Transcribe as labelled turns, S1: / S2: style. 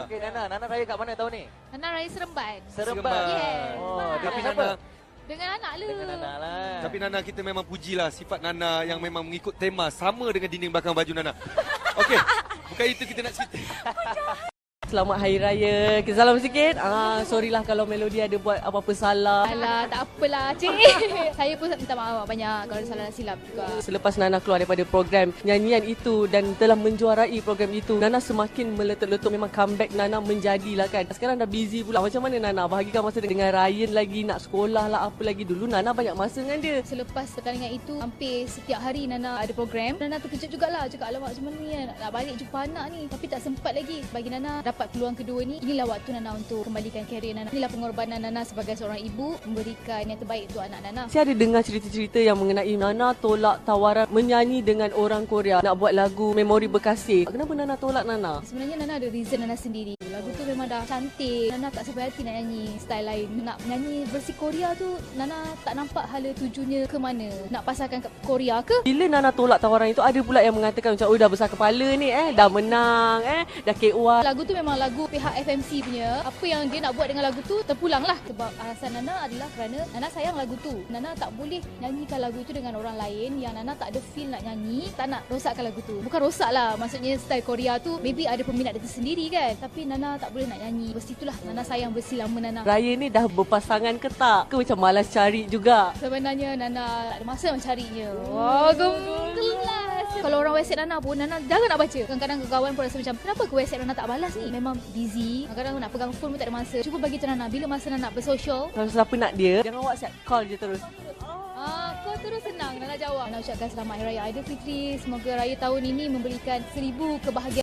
S1: Okey, Nana raya kat mana tahun ni?
S2: Nana raya Seremban.
S1: Seremban.
S2: Yes.
S1: Oh,
S3: Tapi
S1: dengan siapa?
S3: Nana,
S2: Dengan anak lu.
S1: Dengan Nana lah.
S3: tapi Nana kita memang pujilah sifat Nana yang memang mengikut tema sama dengan dinding belakang baju Nana. Okey, bukan itu kita nak cerita.
S4: Selamat Hari Raya. Okay, salam sikit. Sorry lah kalau Melody ada buat apa-apa salah.
S2: Alah, tak apalah, cik. Saya pun minta maaf banyak kalau salah silap juga.
S4: Selepas Nana keluar daripada program nyanyian itu dan telah menjuarai program itu, Nana semakin meletup-letup. Memang comeback Nana menjadilah kan. Sekarang dah busy pula. Macam mana Nana bahagikan masa dengan Ryan lagi, nak sekolah lah, apa lagi. Dulu Nana banyak masa dengan dia.
S2: Selepas pertandingan itu, hampir setiap hari Nana ada program. Nana terkejut jugalah. Cakap, alamak macam mana ni, nak balik jumpa anak ni. Tapi tak sempat lagi. Bagi Nana dapat peluang kedua ni, inilah waktu Nana untuk kembalikan karier Nana. Inilah pengorbanan Nana sebagai seorang ibu, memberikan yang terbaik untuk anak Nana.
S4: Saya ada dengar cerita-cerita yang mengenai Nana tolak tawaran menyanyi dengan orang Korea, nak buat lagu Memori Bekasih. Kenapa Nana tolak Nana?
S2: Sebenarnya Nana ada reason Nana sendiri. Lagu tu memang dah cantik. Nana tak sampai hati nak nyanyi style lain. Nak nyanyi versi Korea tu, Nana tak nampak hala tujunya ke mana. Nak pasarkan ke Korea ke?
S4: Bila Nana tolak tawaran itu, ada pula yang mengatakan macam, oh dah besar kepala ni, dah menang, dah KUA.
S2: Lagu tu memang lagu pihak FMC punya. Apa yang dia nak buat dengan lagu tu terpulang lah. Sebab alasan Nana adalah kerana Nana sayang lagu tu. Nana tak boleh nyanyikan lagu tu dengan orang lain yang Nana tak ada feel nak nyanyi. Tak nak rosakkan lagu tu. Bukan rosak lah, maksudnya style Korea tu maybe ada peminat dia tersendiri kan. Tapi Nana tak boleh nak nyanyi. Versi itulah Nana sayang versi lama Nana.
S4: Raya ni dah berpasangan ke tak? Ke macam malas cari juga?
S2: Sebenarnya Nana tak ada masa mencarinya. Wah, gelas. Kalau orang WhatsApp Nana pun, Nana jangan nak baca. Kadang-kadang kawan pun rasa macam, kenapa ke WhatsApp Nana tak balas ni? Memang busy. Kadang-kadang nak pegang phone pun tak ada masa. Cuba bagi tu Nana, bila masa Nana bersosial,
S4: Kalau siapa nak dia, jangan WhatsApp, call je terus.
S2: kau terus senang Nana jawab. Nana ucapkan selamat Hari Raya Aidilfitri. Semoga raya tahun ini memberikan 1000 kebahagiaan.